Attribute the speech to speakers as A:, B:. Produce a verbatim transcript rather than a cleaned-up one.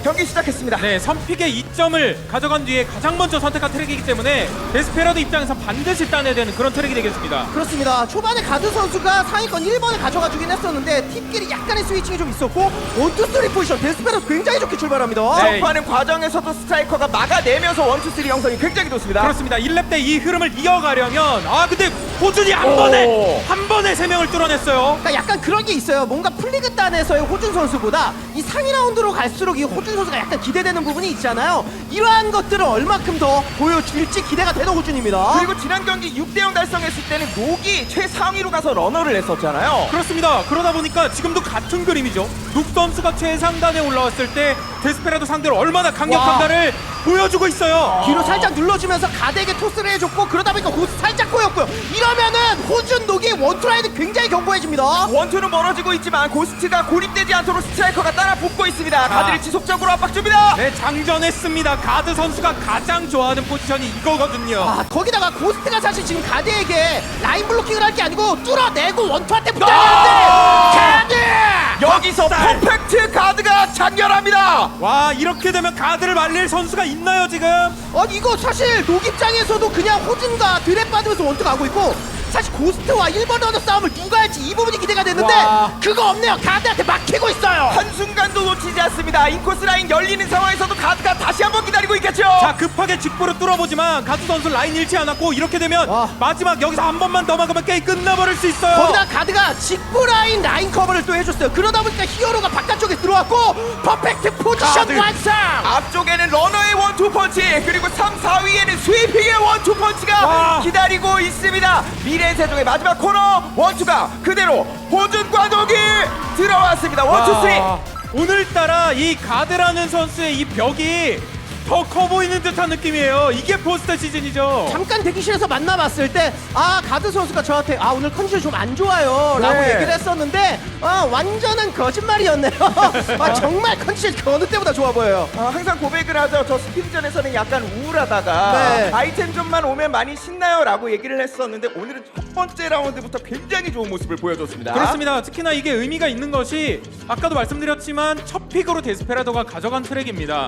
A: 경기 시작했습니다.
B: 네, 선픽의 이 점을 가져간 뒤에 가장 먼저 선택한 트랙이기 때문에 데스페라도 입장에서 반드시 따내야 되는 그런 트랙이 되겠습니다.
C: 그렇습니다. 초반에 가드 선수가 상위권 일 번을 가져가주긴 했었는데 팀끼리 약간의 스위칭이 좀 있었고 원투 쓰리 포지션 데스페라도 굉장히 좋게 출발합니다.
B: 네.
A: 점프하는 과정에서도 스트라이커가 막아내면서 원투 쓰리 형성이 굉장히 좋습니다.
B: 그렇습니다. 일 렙 때 이 흐름을 이어가려면 아 근데 호준이 한
A: 오.
B: 번에 한 번에 세 명을 뚫어냈어요.
C: 그러니까 약간 그런 게 있어요. 뭔가 플리그단에서의 호준 선수보다 이 상위 라운드로 갈수록 이 호준 선수가 약간 기대되는 부분이 있잖아요. 이러한 것들을 얼마큼 더 보여줄지 기대가 되는 호준입니다.
A: 그리고 지난 경기 육 대 영 달성했을 때는 녹이 최상위로 가서 러너를 했었잖아요.
B: 그렇습니다. 그러다 보니까 지금도 같은 그림이죠. 룩 선수가 최상단에 올라왔을 때 데스페라도 상대로 얼마나 강력한가를 보여주고 있어요.
C: 뒤로 살짝 눌러주면서 가드에게 토스를 해줬고 그러다 보니까 고스 살짝 꼬였고요. 이러면은 호준 녹이 원투라인은 굉장히 견고해집니다.
A: 원투는 멀어지고 있지만 고스트가 고립되지 않도록 스트라이커가 따라 붙고 있습니다. 가드를 지속적으로 압박 줍니다.
B: 네, 장전했습니다. 가드 선수가 가장 좋아하는 포지션이 이거거든요.
C: 아, 거기다가 고스트가 사실 지금 가드에게 라인 블로킹을 할 게 아니고 뚫어내고 원투한테 붙어야 되는데 가드!
A: 여기서
B: 박살!
A: 퍼펙트 가드가 장렬합니다.
B: 와, 이렇게 되면 가드를 말릴 선수가 있나요 지금?
C: 아니 이거 사실 녹 입장에서도 그냥 호준과 드랩 받으면서 원투 가고 있고 사실 고스트와 일 번 러너 싸움을 누가 할지 이 부분이 기대가 되는데
B: 와.
C: 그거 없네요. 가드한테 막히고 있어요.
A: 한순간도 놓치지 않습니다. 인코스 라인 열리는 상황에서도 가드가 다시 한번 기다리고 있겠죠.
B: 자, 급하게 직보로 뚫어보지만 가드 선수 라인 잃지 않았고 이렇게 되면
C: 와.
B: 마지막 여기서 한 번만 더 막으면 게임 끝나버릴 수 있어요.
C: 거기다 가드가 직부 라인 라인 커버를 또 해줬어요. 그러다 보니까 히어로가 바깥쪽에 들어왔고 퍼펙트 포지션
A: 가드.
C: 완성.
A: 앞쪽에는 러너의 원투 펀치 그리고 삼, 사 위에는 스위핑의 원투 펀치가
B: 와.
A: 기다리고 있습니다. 미래세종의 마지막 코너 원투가 그대로 호준과 녹이 들어왔습니다. 원투 쓰리.
B: 와, 오늘따라 이 가드라는 선수의 이 벽이 더 커 보이는 듯한 느낌이에요. 이게 포스터 시즌이죠.
C: 잠깐 대기실에서 만나봤을 때 아 가드 선수가 저한테 아 오늘 컨디션 좀 안 좋아요 라고
A: 네.
C: 얘기를 했었는데 아 완전한 거짓말이었네요. 아 정말 컨디션 그 어느 때보다 좋아 보여요.
A: 어, 항상 고백을 하죠. 저 스피드전에서는 약간 우울하다가
C: 네.
A: 아이템 좀만 오면 많이 신나요 라고 얘기를 했었는데 오늘은 첫 번째 라운드부터 굉장히 좋은 모습을 보여줬습니다.
B: 그렇습니다. 특히나 이게 의미가 있는 것이 아까도 말씀드렸지만 첫 픽으로 데스페라도가 가져간 트랙입니다.